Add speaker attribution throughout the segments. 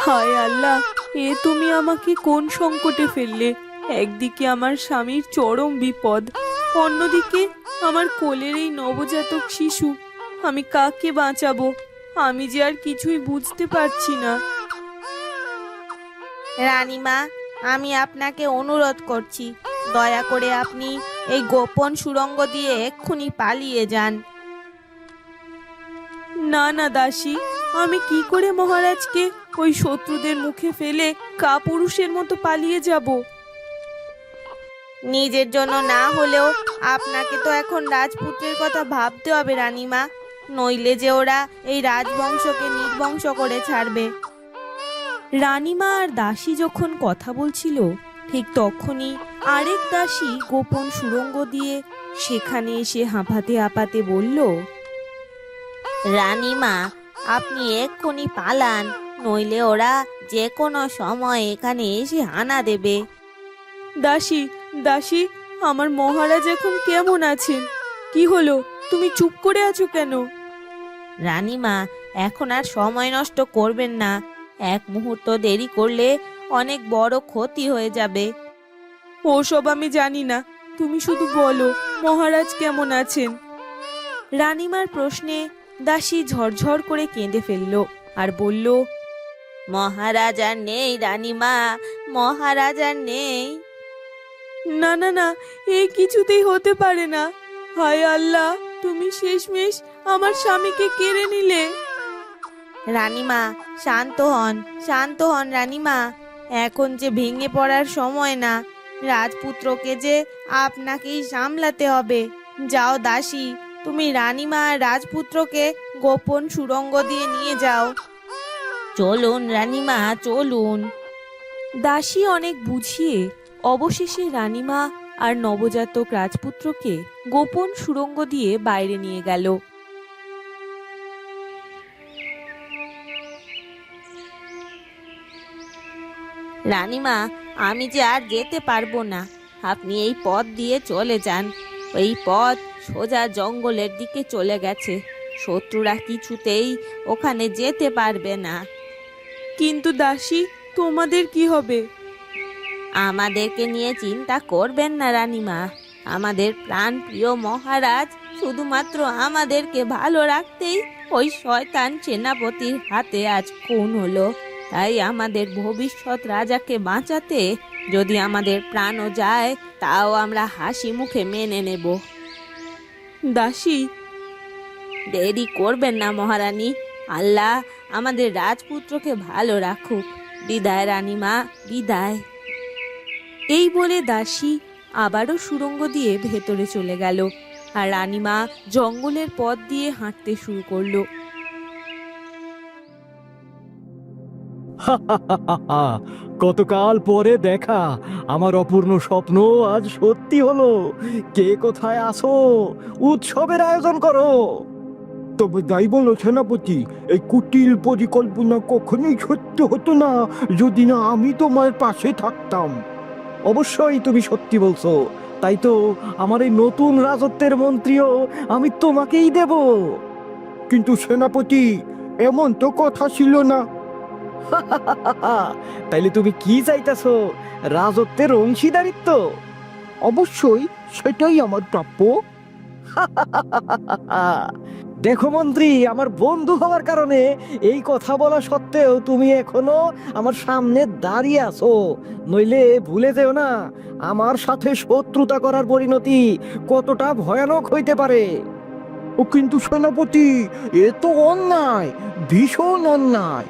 Speaker 1: হায় আল্লাহ, এ তুমি আমাকে কোন সংকটে ফেললে। একদিকে আমার স্বামীর চরম বিপদ, অন্যদিকে আমার কোলের এই নবজাতক শিশু। আমি কাকে বাঁচাবো? আমি যে আর কিছুই বুঝতে পারছি না।
Speaker 2: রানীমা, আমি আপনাকে অনুরোধ করছি, দয়া করে আপনি এই গোপন সুড়ঙ্গ দিয়ে এক্ষুনি পালিয়ে যান।
Speaker 1: না না দাসী, আমি কি করে মহারাজকে ওই শত্রুদের মুখে ফেলে কাপুরুষের মতো পালিয়ে যাব?
Speaker 2: নিজের জন্য না হলেও আপনাকে তো এখন রাজপুত্রের কথা ভাবতে হবে রানীমা, নইলে যে ওরা এই রাজবংশকে নির্বংশ করে ছাড়বে।
Speaker 1: রানীমা আর দাসী যখন কথা বলছিল, ঠিক তখনই আরেক দাসী গোপন সুড়ঙ্গ দিয়ে সেখানে এসে হাঁপাতে হাঁপাতে বলল,
Speaker 2: রানীমা, আপনি এক্ষুনি পালান, নইলে ওরা যে কোনো সময় এখানে এসে হানা দেবে।
Speaker 1: দাসী দাসী, আমার মহারাজ এখন কেমন আছেন? কি হলো, তুমি চুপ করে আছো কেন?
Speaker 2: রানীমা, এখন আর সময় নষ্ট করবেন না, এক মুহূর্ত দেরি করলে অনেক বড় ক্ষতি হয়ে যাবে।
Speaker 1: ওসব আমি জানি না, তুমি শুধু বলো মহারাজ কেমন আছেন। রানীমার প্রশ্নে দাসী ঝরঝর করে কেঁদে ফেলল আর বলল,
Speaker 2: মহারাজ আর নেই রানীমা, মহারাজ আর নেই।
Speaker 1: না না না, এ কিছুতেই হতে পারে না। হায় আল্লাহ, তুমি শেষমেশ আমার স্বামীকে কেড়ে নিলে।
Speaker 2: রানীমা, শান্ত হন, শান্ত হন রানীমা, এখন যে ভেঙে পড়ার সময় না, রাজপুত্রকে যে আপনাকেই সামলাতে হবে। যাও দাসী, তুমি রানীমা আর রাজপুত্রকে গোপন সুড়ঙ্গ দিয়ে নিয়ে যাও। চলুন রানীমা, চলুন।
Speaker 1: দাসী অনেক বুঝিয়ে অবশেষে রানীমা আর নবজাতক রাজপুত্রকে গোপন সুড়ঙ্গ দিয়ে বাইরে নিয়ে গেল।
Speaker 2: রানীমা, আমি যে আর যেতে পারবো না, আপনি এই পথ দিয়ে চলে যান। এই পথ সোজা জঙ্গলের দিকে চলে গেছে, শত্রুরা কিছুতেই ওখানে যেতে পারবে না।
Speaker 1: কিন্তু দাসী, তোমাদের কি হবে?
Speaker 2: আমাদেরকে নিয়ে চিন্তা করবেন না রানীমা, আমাদের প্রাণ প্রিয় মহারাজ শুধুমাত্র আমাদেরকে ভালো রাখতেই ওই শয়তান সেনাপতির হাতে আজ খুন হলো। তাই আমাদের ভবিষ্যৎ রাজাকে বাঁচাতে যদি আমাদের প্রাণও যায়, তাও আমরা হাসি মুখে মেনে নেব।
Speaker 1: দাসী,
Speaker 2: দেরি করবেন না মহারানী, আল্লাহ আমাদের রাজপুত্রকে ভালো রাখুক। বিদায় রানীমা, বিদায়।
Speaker 1: এই বলে দাসী আবারও সুড়ঙ্গ দিয়ে ভেতরে চলে গেল আর রানীমা জঙ্গলের পথ দিয়ে হাঁটতে শুরু করলো।
Speaker 3: কতকাল পরে দেখা, আমার অপূর্ণ স্বপ্ন আজ সত্যি হলো। কে কোথায় আসো, উৎসবের আয়োজন করো।
Speaker 4: তবে তাই বলো সেনাপতি, এই কুটিল পরিকল্পনা কখনোই সত্য হতো না যদি না আমি তোমার পাশে থাকতাম।
Speaker 3: অবশ্যই তুমি সত্যি বলছো, তাই তো আমার এই নতুন রাজত্বের মন্ত্রীও আমি তোমাকেই দেব।
Speaker 4: কিন্তু সেনাপতি, এমন তো কথা ছিল না।
Speaker 3: তাইলে তুমি কি চাইতেছো, রাজত্বের অংশীদারিত্ব?
Speaker 4: অবশ্যই, সেটাই আমার প্রাপ্য।
Speaker 3: দেখো মন্ত্রী, আমার বন্ধু হওয়ার কারণে এই কথা বলা সত্ত্বেও তুমি এখনো আমার সামনে দাঁড়িয়ে আছো। নইলে ভুলে যেও না, আমার সাথে শত্রুতা করার পরিণতি কতটা ভয়ানক হইতে পারে।
Speaker 4: ও কিন্তু সেনাপতি, এ তো অন্যায়, ভীষণ অন্যায়।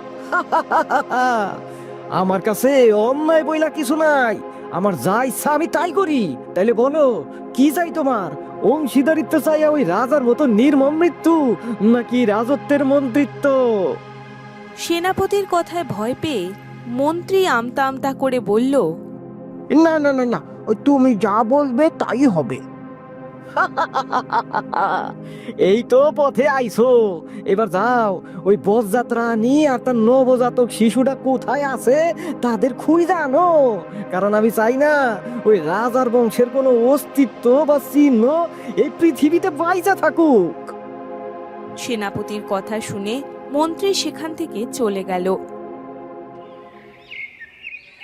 Speaker 3: আমার কাছে অন্যায় বইলা কিছু নাই, আমার যা ইচ্ছা আমি তাই করি। তাইলে বলো, কি চাই তোমার? অংশীদারিত্ব চাই ওই রাজার মতো নির্মম মৃত্যু, নাকি রাজত্বের মন্ত্রিত্ব?
Speaker 1: সেনাপতির কথায় ভয় পেয়ে মন্ত্রী আমতা আমতা করে বলল,
Speaker 4: না না না না, তুমি যা বলবে তাই হবে।
Speaker 3: এই তো পথে আইছো, এবার যাও ওই বসযাত্রা নিয়ে আর তার নবজাতক শিশুটা কোথায় আছে তাদের খুঁজে আনো। কারণ আমি চাই না ওই রাজার বংশের কোনো অস্তিত্ব বা চিহ্ন এই পৃথিবীতে বাইচা থাকুক।
Speaker 1: সেনাপতির কথা শুনে মন্ত্রী সেখান থেকে চলে গেল।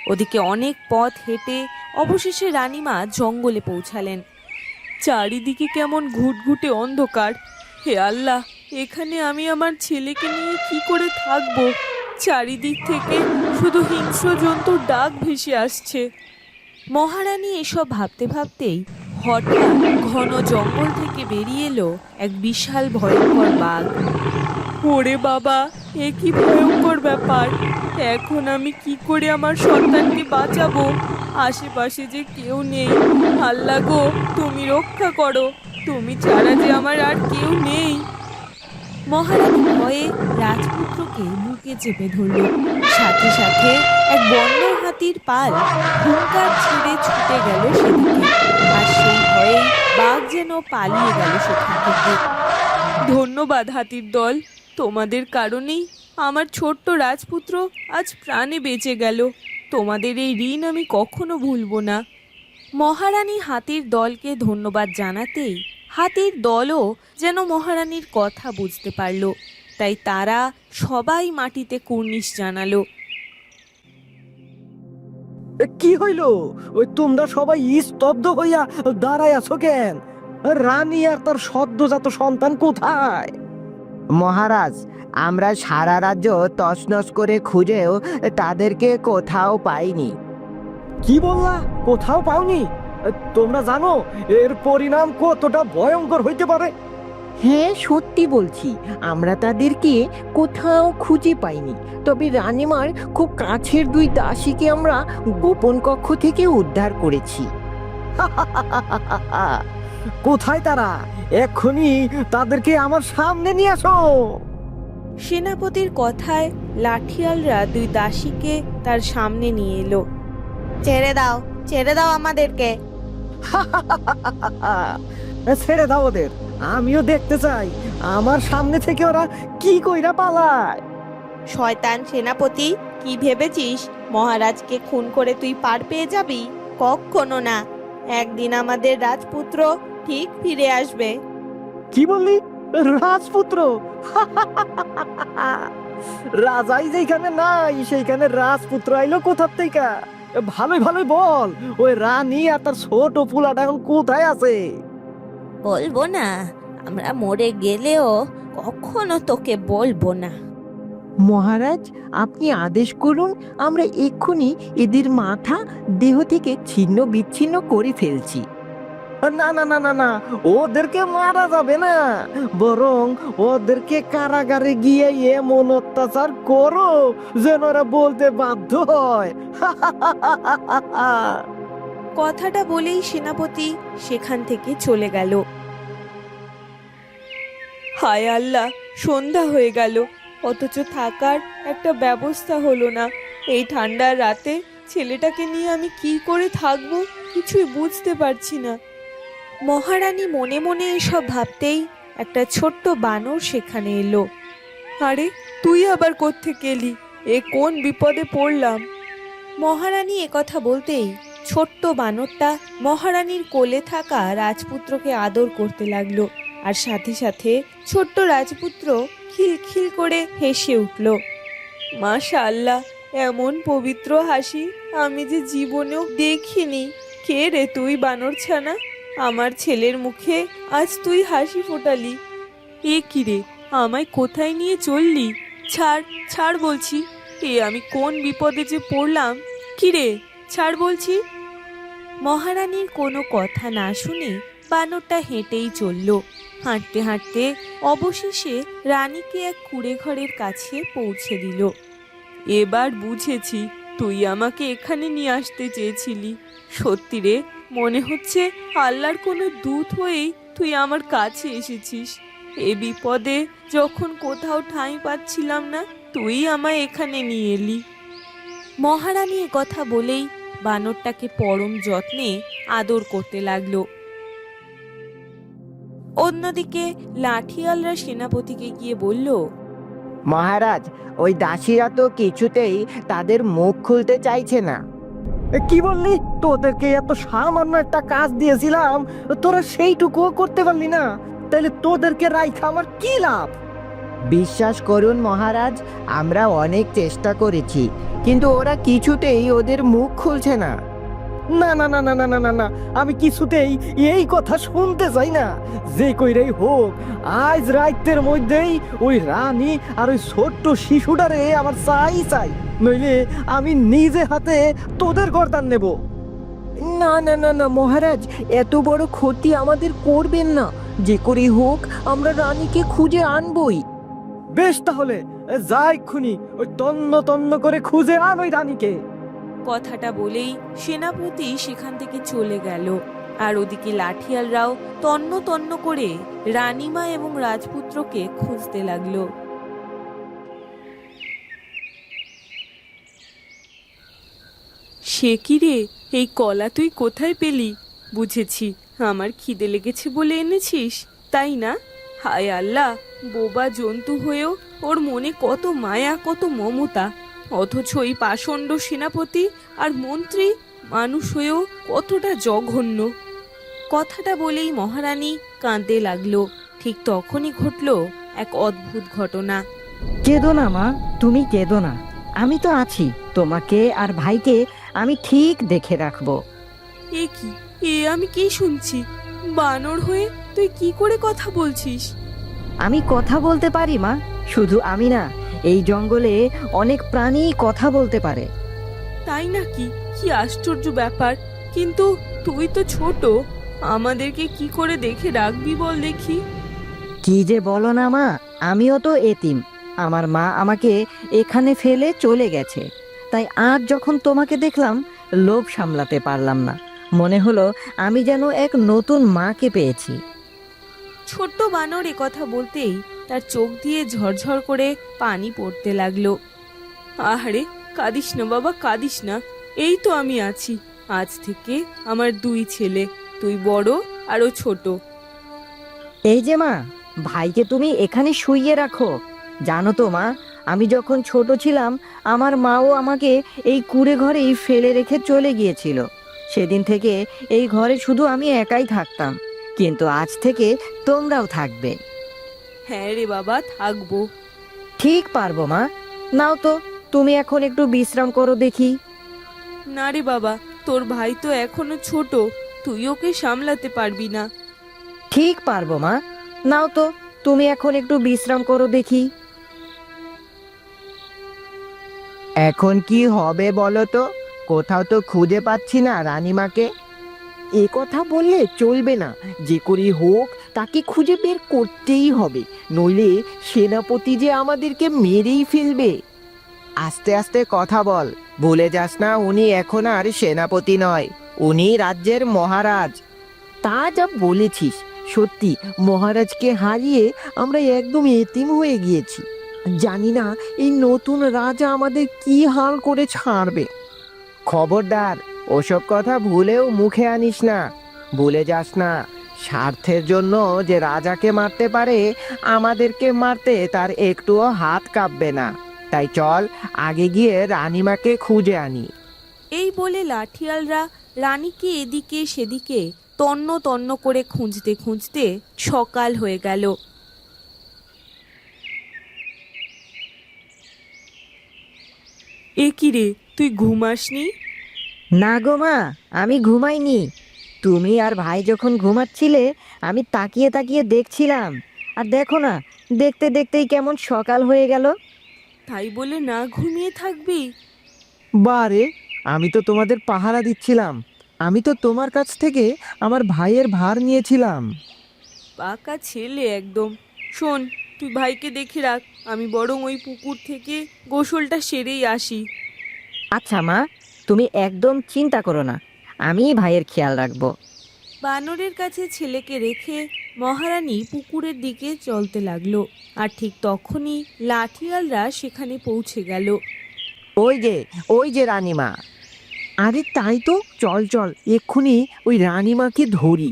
Speaker 2: ওদিকে অনেক পথ হেঁটে অবশেষে রানীমা জঙ্গলে পৌঁছালেন।
Speaker 1: চারিদিকে কেমন ঘুটঘুটে অন্ধকার। হে আল্লাহ, এখানে আমি আমার ছেলেকে নিয়ে কি করে থাকবো? চারিদিক থেকে শুধু হিংস্র জন্তুর ডাক ভেসে আসছে।
Speaker 2: মহারানী এসব ভাবতে ভাবতেই হঠাৎ ঘন জঙ্গল থেকে বেরিয়ে এলো এক বিশাল ভয়ঙ্কর বাঘ।
Speaker 1: ওরে বাবা, এ কি ভয়ঙ্কর ব্যাপার! এখন আমি কি করে আমার সন্তানকে বাঁচাবো? আশেপাশে যে কেউ নেই। আল্লাহ গো, তুমি রক্ষা করো, তুমি ছাড়া যে আমার আর কেউ নেই।
Speaker 2: মহারানী ভয়ে রাজপুত্রকে বুকে চেপে ধরল। সাথে সাথে এক বন্য হাতির পাল হুঙ্কার ছেড়ে ছুটে গেল সেদিকে, আর সেই ভয়ে বাঘ যেন পালিয়ে গেল সেখান থেকে।
Speaker 1: ধন্যবাদ হাতির দল, তোমাদের কারণেই আমার ছোট্ট রাজপুত্র আজ প্রাণে বেঁচে গেল। তোমাদের এই ঋণ আমি কখনো ভুলবো না।
Speaker 2: মহারানী হাতির দলকে ধন্যবাদ জানাতেই হাতির দলও যেন মহারানীর কথা বুঝতে পারল, তাই তারা সবাই মাটিতে কুর্নিশ জানালো।
Speaker 3: কি হইল? ওই তোমরা সবাই স্তব্ধ হইয়া দাঁড়ায় আছো কেন? রানী আর তার সদ্যজাত সন্তান কোথায়?
Speaker 5: মহারাজ, আমরা সারা রাজ্য তছনছ করে খুঁজেও তাদেরকে কোথাও পাইনি।
Speaker 3: কি বললা? কোথাও পাওনি? তোমরা জানো এর পরিণাম কতটা ভয়ঙ্কর হইতে পারে?
Speaker 5: হ্যাঁ, সত্যি বলছি, আমরা তাদেরকে কোথাও খুঁজে পাইনি। তবে রানীমার খুব কাছের দুই দাসীকে আমরা গোপন কক্ষ থেকে উদ্ধার করেছি।
Speaker 3: কোথায় তারা? এক্ষুনি তাদেরকে আমার সামনে নিয়ে আসো।
Speaker 2: সেনাপতির কথায় লাঠিয়ালরা দুই দাসীকে তার সামনে নিয়ে এলো। ছেড়ে দাও আমাদেরকে।
Speaker 3: ছেড়ে দাও ওদের, আমিও দেখতে চাই আমার সামনে থেকে ওরা কি কইরা পালায়।
Speaker 2: শয়তান সেনাপতি, কি ভেবেছিস মহারাজকে খুন করে তুই পার পেয়ে যাবি? কখনো না, একদিন আমাদের রাজপুত্র ঠিক ফিরে আসবে।
Speaker 3: কি বললি? রাজপুত্র? রাজাই যেখানে নাই সেইখানে রাজপুত্র আইলো কোথার থেকে? ভালোই ভালোই বল, ওই রানী আর তার ছোট পুলাটা এখন কোথায় আছে?
Speaker 2: বলবো না, আমরা মরে গেলেও কখনো তোকে বলবো না।
Speaker 5: মহারাজ, আপনি আদেশ করুন, আমরা এক্ষুনি এদের মাথা দেহ থেকে ছিন্ন বিচ্ছিন্ন করে ফেলছি।
Speaker 3: না না না না না, ওদেরকে মারা যাবে না, বরং ওদেরকে কারাগারে গিয়ে এমন অত্যাচার করো যেন ওরা বলতে বাধ্য হয়।
Speaker 2: কথাটা বলেই সেনাপতি সেখান থেকে চলে গেল।
Speaker 1: হায় আল্লাহ, সন্ধ্যা হয়ে গেল, অথচ থাকার একটা ব্যবস্থা হলো না। এই ঠান্ডার রাতে ছেলেটাকে নিয়ে আমি কি করে থাকবো কিছুই বুঝতে পারছি না।
Speaker 2: মহারানী মনে মনে এসব ভাবতেই একটা ছোট্ট বানর সেখানে এলো।
Speaker 1: আরে, তুই আবার কোত্থেকে এলি? এ কোন বিপদে পড়লাম?
Speaker 2: মহারানী একথা বলতেই ছোট্ট বানরটা মহারানীর কোলে থাকা রাজপুত্রকে আদর করতে লাগলো, আর সাথে সাথে ছোট্ট রাজপুত্র খিলখিল করে হেসে উঠল।
Speaker 1: মাশাআল্লাহ, এমন পবিত্র হাসি আমি যে জীবনেও দেখিনি। কে রে তুই বানর ছানা? আমার ছেলের মুখে আজ তুই হাসি ফোটালি। এ কি রে, আমায় কোথায় নিয়ে চললি? ছাড় ছাড় বলছি, এ আমি কোন বিপদে যে পড়লাম! কি রে, ছাড় বলছি।
Speaker 2: মহারানীর কোনো কথা না শুনে বানরটা হেঁটেই চলল। হাঁটতে হাঁটতে অবশেষে রানীকে এক কুঁড়ে ঘরের কাছে পৌঁছে দিল।
Speaker 1: এবার বুঝেছি তুই আমাকে এখানে নিয়ে আসতে চেয়েছিলি। সত্যি রে, মনে হচ্ছে আল্লাহর কোনো দূত হয়েই তুই আমার কাছে এসেছিস। এ বিপদে যখন কোথাও ঠাঁই পাচ্ছিলাম না, তুই আমায় এখানে নিয়ে এলি।
Speaker 2: মহারানী কথা বলেই বানরটাকে পরম যত্নে আদর করতে লাগলো। অন্যদিকে লাঠিয়ালরা সেনাপতিকে গিয়ে বলল,
Speaker 5: মহারাজ, ওই দাসীরা তো কিছুতেই তাদের মুখ খুলতে চাইছে না।
Speaker 3: কি বললি? তোদেরকে এত সামান্য একটা কাজ দিয়েছিলাম, তোরা সেইটুকুও করতে পারলি না? তাহলে তোদেরকে রাইখা আমার কি লাভ?
Speaker 5: বিশ্বাস করুন মহারাজ, আমরা অনেক চেষ্টা করেছি, কিন্তু ওরা কিছুতেই ওদের মুখ খুলছে না।
Speaker 3: না না না না না না না না, আমি কিছুতেই এই কথা শুনতে চাই না। যে কইরেই হোক, আজ রাতের মধ্যেই ওই রানী আর ওই ছোট্ট শিশুটারে আমার চাই চাই, নইলে আমি নিজে হাতে তোদের গর্দান নেব।
Speaker 5: না না না না মহারাজ, এত বড় ক্ষতি আমাদের করবেন না। যে করেই হোক আমরা রানীকে খুঁজে আনবই।
Speaker 3: বেশ, তাহলে যাই খুনি ওই তন্ন তন্ন করে খুঁজে আন ওই রানীকে।
Speaker 1: কথাটা বলেই সেনাপতি সেখান থেকে চলে গেল। আর ওদিকে লাঠিয়ালরাও তন্ন তন্ন করে রানীমা এবং রাজপুত্রকে খুঁজতে লাগলো। সে কি রে, এই কলা তুই কোথায় পেলি? বুঝেছি, আমার খিদে লেগেছে বলে এনেছিস, তাই না? হায় আল্লাহ, বোবা জন্তু হয়েও ওর মনে কত মায়া, কত মমতা, অথচ এই পাষণ্ড সেনাপতি আর মন্ত্রী মানুষ হয়েও কতটা জঘন্য। কথাটা বলেই মহারানী কাঁদতে লাগলো। ঠিক তখনই ঘটলো এক অদ্ভুত ঘটনা।
Speaker 5: কেঁদো না মা, তুমি কেঁদো না, আমি তো আছি। তোমাকে আর ভাইকে আমি ঠিক দেখে রাখবো।
Speaker 1: এ কি, আমি কি শুনছি? বানর হয়ে তুই কি করে কথা বলছিস?
Speaker 5: আমি কথা বলতে পারি মা, শুধু আমি না, এই জঙ্গলে অনেক প্রাণী কথা বলতে পারে।
Speaker 1: তাই নাকি? কি আশ্চর্য ব্যাপার। কিন্তু তুই তো ছোট, আমাদেরকে কি করে দেখে রাখবি বল দেখি।
Speaker 5: কি যে বলো না মা, আমিও তো এতিম। আমার মা আমাকে এখানে ফেলে চলে গেছে, তাই আজ যখন তোমাকে দেখলাম লোভ সামলাতে পারলাম না। মনে হলো আমি যেন এক নতুন মাকে পেয়েছি।
Speaker 1: ছোট্ট বানর এ কথা বলতেই তার চোখ দিয়ে ঝরঝর করে পানি পড়তে লাগলো। আহারে, কাঁদিস না বাবা, কাঁদিস না। এই তো আমি আছি। আজ থেকে আমার দুই ছেলে, তুই বড় আর ও ছোট।
Speaker 5: এই যে মা, ভাইকে তুমি এখানে শুইয়ে রাখো। জানো তো মা, আমি যখন ছোট ছিলাম আমার মাও আমাকে এই কুঁড়ে ঘরেই ফেলে রেখে চলে গিয়েছিল। সেদিন থেকে এই ঘরে শুধু আমি একাই থাকতাম, কিন্তু আজ থেকে তোমরাও থাকবে।
Speaker 1: হ্যাঁ রে বাবা, থাকবো।
Speaker 5: ঠিক পারবো মা। নাও তো, তুমি এখন একটু বিশ্রাম করো দেখি।
Speaker 1: না রে বাবা, তোর ভাই তো এখনো ছোট, তুই ওকে সামলাতে পারবি না।
Speaker 5: ঠিক পারবো মা। নাও তো, তুমি এখন একটু বিশ্রাম করো দেখি। এখন কি হবে বলো তো? কোথাও তো খুঁজে পাচ্ছি না রানীমাকে। এ কথা বললে চলবে না, যে করেই হোক তাকে খুঁজে বের করতেই হবে, নইলে সেনাপতি যে আমাদেরকে মেরেই ফেলবে। আস্তে আস্তে কথা বল, ভুলে যাস না উনি এখন আর সেনাপতি নয়, উনি রাজ্যের মহারাজ। তা যা বলেছিস, সত্যি মহারাজকে হারিয়ে আমরা একদম এতিম হয়ে গিয়েছি। জানি না এই নতুন রাজা আমাদের কি হাল করে ছাড়বে। খবরদার, ওসব কথা ভুলেও মুখে আনিস না। ভুলে যাস না, স্বার্থের জন্য যে রাজাকে মারতে পারে, আমাদেরকে মারতে তার একটুও হাত কাঁপবে না। তাই চল আগে গিয়ে রানীমাকে খুঁজে আনি।
Speaker 1: এই বলে লাঠিয়ালরা রানীকে এদিকে সেদিকে তন্ন তন্ন করে খুঁজতে খুঁজতে সকাল হয়ে গেল। এ কি রে, তুই ঘুমাসনি?
Speaker 5: না গো মা, আমি ঘুমাইনি। তুমি আর ভাই যখন ঘুমাচ্ছিলে আমি তাকিয়ে তাকিয়ে দেখছিলাম, আর দেখো না, দেখতে দেখতেই কেমন সকাল হয়ে গেল।
Speaker 1: তাই বলে না ঘুমিয়ে থাকবি?
Speaker 3: বারে, আমি তো তোমাদের পাহারা দিচ্ছিলাম। আমি তো তোমার কাছ থেকে আমার ভাইয়ের ভার নিয়েছিলাম।
Speaker 1: পাকা ছেলে একদম। শোন, তুই ভাইকে দেখে রাখ, আমি বরং ওই পুকুর থেকে গোসলটা সেরেই আসি।
Speaker 5: আচ্ছা মা, তুমি একদম চিন্তা করো না, আমি ভাইয়ের খেয়াল রাখবো।
Speaker 1: বানরের কাছে ছেলেকে রেখে মহারানী পুকুরের দিকে চলতে লাগলো। আর ঠিক তখনই লাঠিয়ালরা সেখানে পৌঁছে গেল।
Speaker 5: ওই যে রানীমা।
Speaker 3: আরে তাই তো, চল চল এক্ষুনি ওই রানীমাকে ধরি।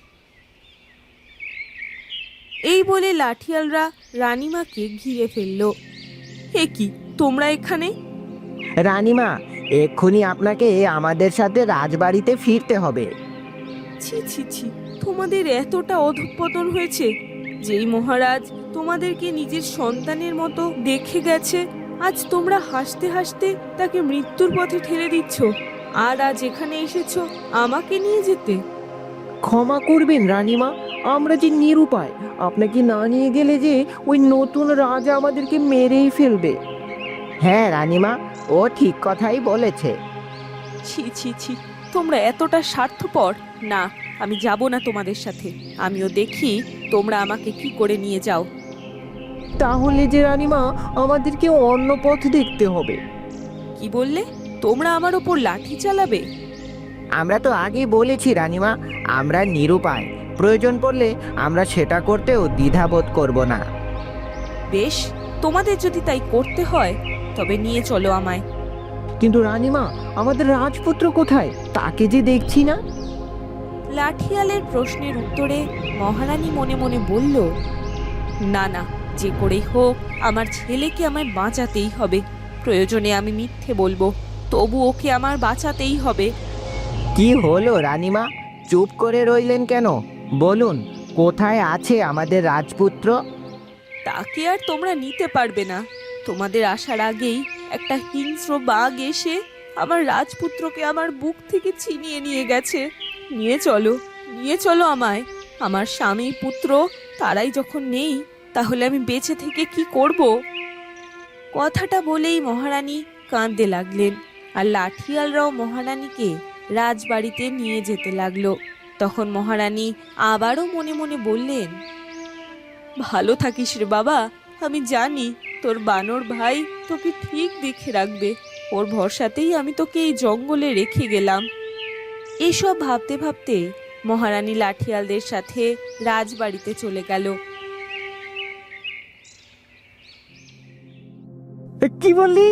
Speaker 1: এই বলে লাঠিয়ালরা রানীমাকে ঘিরে ফেললো। এ কি, তোমরা এখানে?
Speaker 5: রানীমা, এক্ষুনি আপনাকে আমাদের সাথে রাজবাড়িতে ফিরতে হবে।
Speaker 1: ছি ছি ছি, তোমাদের এতটা অধঃপতন হয়েছে? যেই মহারাজ তোমাদেরকে নিজের সন্তানের মতো দেখে গেছে, আজ তোমরা হাসতে হাসতে তাকে মৃত্যুর পথে ঠেলে দিচ্ছ, আর আজ এখানে এসেছো আমাকে নিয়ে যেতে।
Speaker 5: ক্ষমা করবেন রানীমা, আমরা যে নিরুপায়, আপনাকে না নিয়ে গেলে যে ওই নতুন রাজা আমাদেরকে মেরেই ফেলবে। হ্যাঁ রানীমা, ও ঠিক কথাই বলেছে।
Speaker 1: ছি ছি ছি, তোমরা এতটা স্বার্থপর। না, আমি যাব না তোমাদের সাথে। আমিও দেখি তোমরা আমাকে কি করে নিয়ে যাও।
Speaker 5: তাহলে যে রানীমা আমাদেরকে অন্য পথ দেখতে হবে।
Speaker 1: কি বললে? তোমরা আমার ওপর লাঠি চালাবে?
Speaker 5: আমরা তো আগেই বলেছি রানীমা, আমরা নিরুপায়, প্রয়োজন পড়লে আমরা সেটা করতেও দ্বিধাবোধ করব না।
Speaker 1: বেশ, তোমাদের যদি তাই করতে হয় তবে নিয়ে চলো আমায়।
Speaker 5: কিন্তু রানীমা, আমাদের রাজপুত্র কোথায়? তাকে যে দেখছি না।
Speaker 1: লাঠিয়ালের প্রশ্নের উত্তরে মহারানী মনে মনে বলল, না না, যে করেই হোক আমার ছেলেকে আমায় বাঁচাতেই হবে। প্রয়োজনে আমি মিথ্যে বলবো, তবু ওকে আমার বাঁচাতেই হবে।
Speaker 5: কি হলো রানীমা, চুপ করে রইলেন কেন? বলুন, কোথায় আছে আমাদের রাজপুত্র?
Speaker 1: তাকে আর তোমরা নিতে পারবে না। তোমাদের আসার আগেই একটা হিংস্র বাঘ এসে আমার রাজপুত্রকে আমার বুক থেকে ছিনিয়ে নিয়ে গেছে। নিয়ে চলো, নিয়ে চলো আমায়। আমার স্বামী পুত্র তারাই যখন নেই, তাহলে আমি বেঁচে থেকে কি করব? কথাটা বলেই মহারানী কাঁদতে লাগলেন, আর লাঠিয়ালরাও মহারানীকে রাজবাড়িতে নিয়ে যেতে লাগলো। তখন মহারানী আবারও মনে মনে বললেন, ভালো থাকিস রে বাবা, আমি জানি তোর বানর ভাই তোকে ঠিক দেখে রাখবে। ওর ভরসাতেই আমি তোকে এই জঙ্গলে রেখে গেলাম। এসব ভাবতে ভাবতে মহারানী লাঠিয়ালদের সাথে রাজবাড়িতে চলে গেল।
Speaker 3: কি বললি?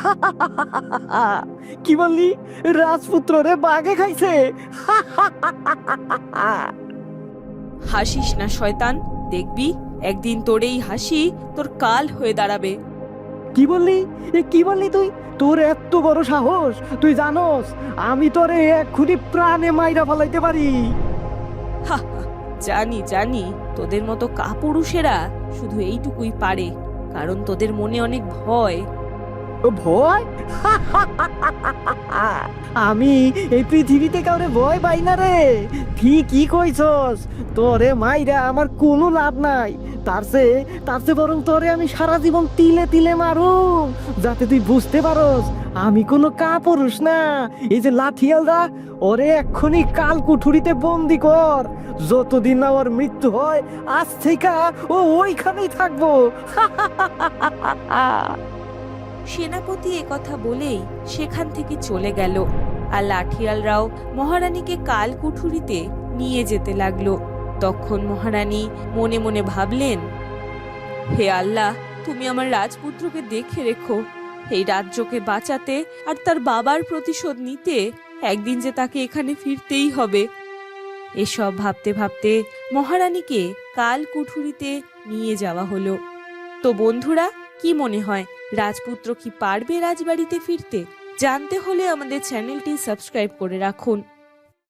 Speaker 3: কি বললি? রাজপুত্র রে বাঘে খাইছে?
Speaker 1: হাসিস না শয়তান, দেখবি একদিন তোর এই হাসি তোর কাল হয়ে দাঁড়াবে।
Speaker 3: কি বললি? কি বললি তুই? তোর এত বড় সাহস! তুই জানোস আমি তোরে এক্ষুনি প্রাণে মাইরা ফেলাইতে পারি।
Speaker 1: হা হা, জানি জানি, তোদের মতো কাপুরুষেরা শুধু এইটুকুই পারে, কারণ তোদের মনে অনেক ভয়।
Speaker 3: ভয়? আমি এই পৃথিবীতে কাউরে ভয় পাই না রে। ঠিকই কইছস, তোরে মাইরা আমার কোনো লাভ নাই। তার চেয়ে বরং তোরে আমি সারা জীবন তিলে তিলে মারুম, যাতে তুই বুঝতে পারস আমি কোনো কাপুরুষ না। এই যে লাঠিয়ালরা, ওরে এক্ষুনি কাল কুঠুরিতে বন্দি কর। যতদিন না ওর মৃত্যু হয়, আজ থেকে ও ওইখানেই থাকবো।
Speaker 1: সেনাপতি একথা বলেই সেখান থেকে চলে গেল, আর লাঠিয়ালরাও মহারানীকে কাল কুঠুরিতে নিয়ে যেতে লাগলো। তখন মহারানী মনে মনে ভাবলেন, হে আল্লাহ, তুমি আমার রাজপুত্রকে দেখে রেখো। এই রাজ্যকে বাঁচাতে আর তার বাবার প্রতিশোধ নিতে একদিন যে তাকে এখানে ফিরতেই হবে। এসব ভাবতে ভাবতে মহারানীকে কাল কুঠুরিতে নিয়ে যাওয়া হলো। তো বন্ধুরা, কি মনে হয়, রাজপুত্র কি পারবে রাজবাড়িতে ফিরতে? জানতে হলে আমাদের চ্যানেলটি সাবস্ক্রাইব করে রাখুন।